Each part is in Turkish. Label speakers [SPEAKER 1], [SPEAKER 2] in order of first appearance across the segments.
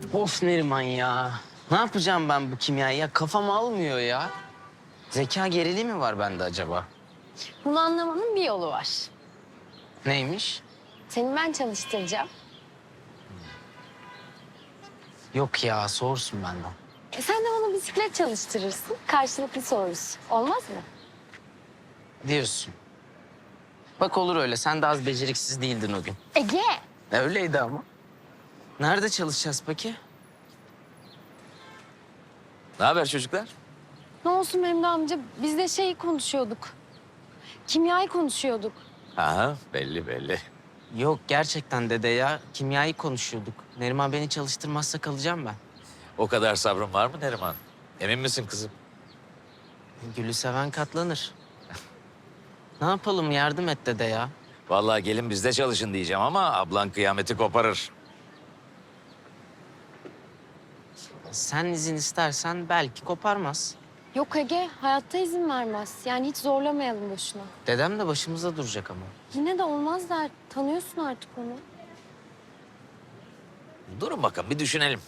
[SPEAKER 1] Of Neriman ya. Ne yapacağım ben bu kimyayı ya? Kafam almıyor ya. Zeka geriliği mi var bende acaba?
[SPEAKER 2] Bunu anlamanın bir yolu var.
[SPEAKER 1] Neymiş?
[SPEAKER 2] Seni ben çalıştıracağım.
[SPEAKER 1] Yok ya, soğursun benden.
[SPEAKER 2] Sen de bana bisiklet çalıştırırsın. Karşılıklı soruruz. Olmaz mı?
[SPEAKER 1] Diyorsun. Bak olur öyle. Sen de az beceriksiz değildin o gün.
[SPEAKER 2] Ege!
[SPEAKER 1] Öyleydi ama. Nerede çalışacağız peki?
[SPEAKER 3] Ne haber çocuklar?
[SPEAKER 2] Ne olsun Memdu amca? Biz de şeyi konuşuyorduk. Kimyayı konuşuyorduk.
[SPEAKER 3] Aha, belli belli.
[SPEAKER 1] Yok gerçekten dede ya. Kimyayı konuşuyorduk. Neriman beni çalıştırmazsa kalacağım ben.
[SPEAKER 3] O kadar sabrın var mı Neriman? Emin misin kızım?
[SPEAKER 1] Gülü seven katlanır. Ne yapalım, yardım et dede ya.
[SPEAKER 3] Vallahi gelin bizde çalışın diyeceğim ama ablan kıyameti koparır.
[SPEAKER 1] Sen izin istersen belki koparmaz.
[SPEAKER 2] Yok Ege, hayatta izin vermez. Yani hiç zorlamayalım boşuna.
[SPEAKER 1] Dedem de başımıza duracak ama.
[SPEAKER 2] Yine de olmaz der. Tanıyorsun artık onu.
[SPEAKER 3] Durun bakalım bir düşünelim.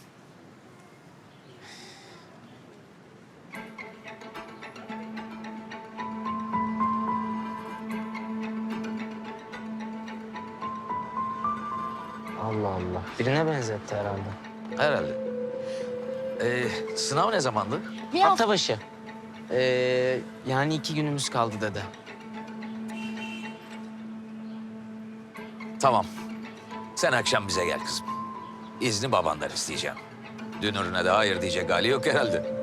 [SPEAKER 1] Allah Allah. Birine benzetti herhalde.
[SPEAKER 3] Herhalde. Sınav ne zamandı?
[SPEAKER 2] Bir hafta
[SPEAKER 1] Hafta başı. Yani 2 günümüz kaldı dede.
[SPEAKER 3] Tamam. Sen akşam bize gel kızım. İzni babandan isteyeceğim. Dünürüne de hayır diyecek hali yok herhalde.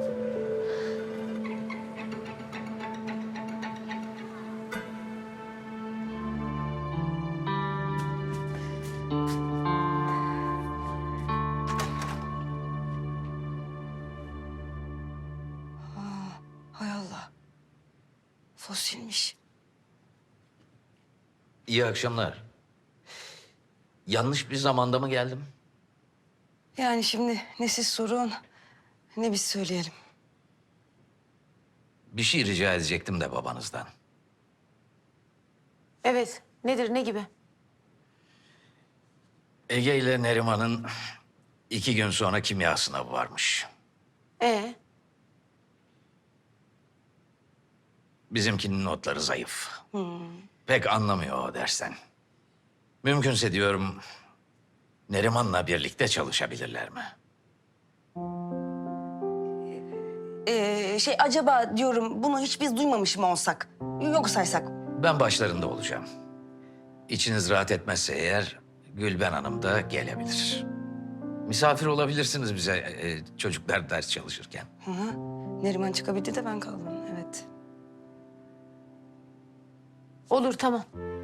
[SPEAKER 4] Hay Allah. Fosilmiş.
[SPEAKER 3] İyi akşamlar. Yanlış bir zamanda mı geldim?
[SPEAKER 4] Yani şimdi ne siz sorun ne biz söyleyelim.
[SPEAKER 3] Bir şey rica edecektim de babanızdan.
[SPEAKER 5] Evet. Nedir, ne gibi?
[SPEAKER 3] Ege ile Neriman'ın 2 gün sonra kimya sınavı varmış. Bizimkinin notları zayıf. Pek anlamıyor o dersten. Mümkünse diyorum Neriman'la birlikte çalışabilirler mi?
[SPEAKER 4] Acaba diyorum bunu hiç biz duymamış mı olsak? Yok saysak.
[SPEAKER 3] Ben başlarında olacağım. İçiniz rahat etmezse eğer Gülben Hanım da gelebilir. Misafir olabilirsiniz bize çocuklar ders çalışırken.
[SPEAKER 4] Hı hı. Neriman çıkabildi de ben kaldım. Evet.
[SPEAKER 5] Olur, tamam.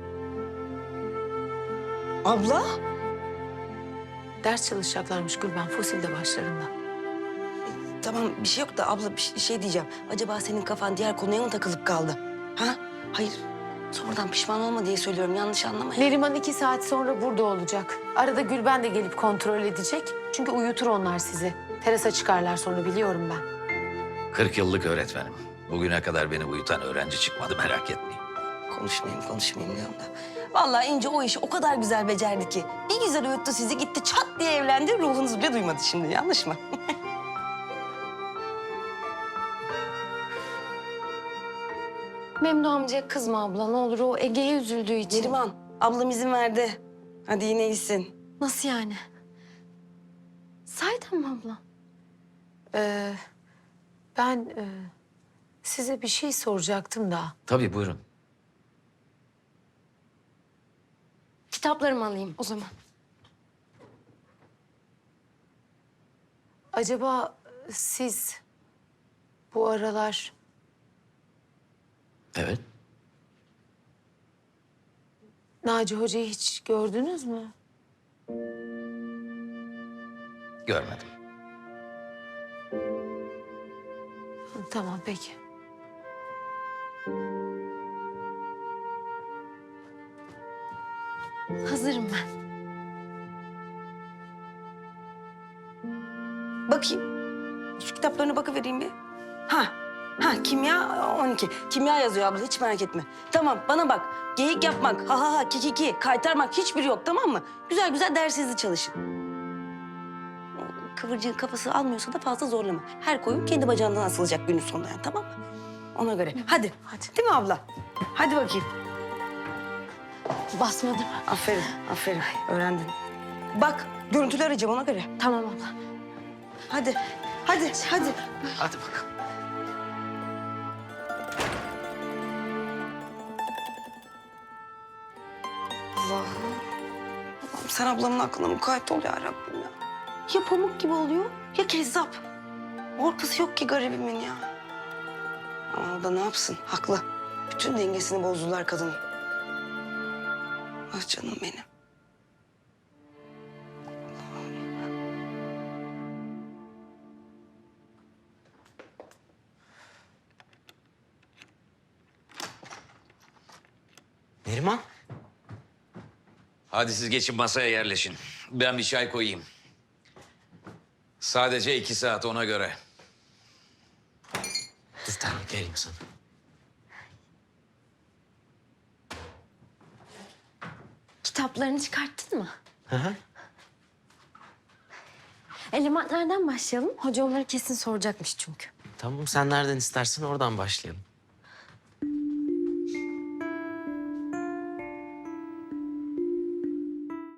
[SPEAKER 4] Abla?
[SPEAKER 5] Ders çalışacaklarmış Gülben, Fosil'de başlarında.
[SPEAKER 4] Tamam bir şey yok da abla bir şey diyeceğim. Acaba senin kafan diğer konuya mı takılıp kaldı? Ha? Hayır. Sonradan pişman olma diye söylüyorum. Yanlış anlama ya.
[SPEAKER 5] Neriman 2 saat sonra burada olacak. Arada Gülben de gelip kontrol edecek. Çünkü uyutur onlar sizi. Terasa çıkarlar sonra, biliyorum ben.
[SPEAKER 3] 40 yıllık öğretmenim. Bugüne kadar beni uyutan öğrenci çıkmadı, merak etmeyin.
[SPEAKER 4] Konuşmayayım diyorum da. Vallahi İnce o işi o kadar güzel becerdi ki. Bir güzel uyuttu sizi, gitti çat diye evlendi. Ruhunuz bile duymadı şimdi, yanlış mı?
[SPEAKER 2] Memdu amcaya kızma abla. Ne olur, o Ege'ye üzüldüğü için.
[SPEAKER 4] Neriman, ablam izin verdi. Hadi yine iyisin.
[SPEAKER 2] Nasıl yani? Sahiden mi abla?
[SPEAKER 5] Ben size bir şey soracaktım da.
[SPEAKER 3] Tabii buyurun.
[SPEAKER 2] Kitaplarımı alayım o zaman.
[SPEAKER 5] Acaba siz bu aralar
[SPEAKER 3] Evet.
[SPEAKER 5] Naci Hoca'yı hiç gördünüz mü?
[SPEAKER 3] Görmedim.
[SPEAKER 5] Tamam, peki.
[SPEAKER 2] Hazırım ben.
[SPEAKER 4] Bakayım. Şu kitaplarına bakıvereyim bir. Kimya 12. Kimya yazıyor abla, hiç merak etme. Tamam, bana bak. Geyik yapmak, ha, kikiki, kaytarmak hiçbiri yok, tamam mı? Güzel güzel dersinizi çalışın. kıvırcığın kafası almıyorsa da fazla zorlama. Her koyun kendi bacağından asılacak günün sonunda yani, tamam mı? Ona göre. Hadi. Hadi. Değil mi abla? Hadi bakayım.
[SPEAKER 2] Basmadım.
[SPEAKER 4] Aferin, aferin. Öğrendin. Bak, görüntüler arayacağım ona göre.
[SPEAKER 2] Tamam abla.
[SPEAKER 4] Hadi, hadi, hadi.
[SPEAKER 1] Hadi bakalım.
[SPEAKER 4] Allah'ım. Allah'ım sen ablamın aklına mukayyet ol ya Rabbim ya. Ya pamuk gibi oluyor ya kezzap. Ortası yok ki garibimin ya. Ama o da ne yapsın? Haklı. Bütün dengesini bozdular kadının. Ah canım benim.
[SPEAKER 1] Neriman.
[SPEAKER 3] Hadi siz geçin masaya yerleşin. Ben bir çay koyayım. Sadece 2 saat ona göre.
[SPEAKER 1] Dur tamam geleyim sana.
[SPEAKER 2] Kitaplarını çıkarttın mı?
[SPEAKER 1] Hı hı.
[SPEAKER 2] Elementlerden başlayalım. Hoca onları kesin soracakmış çünkü.
[SPEAKER 1] Tamam sen nereden istersen oradan başlayalım.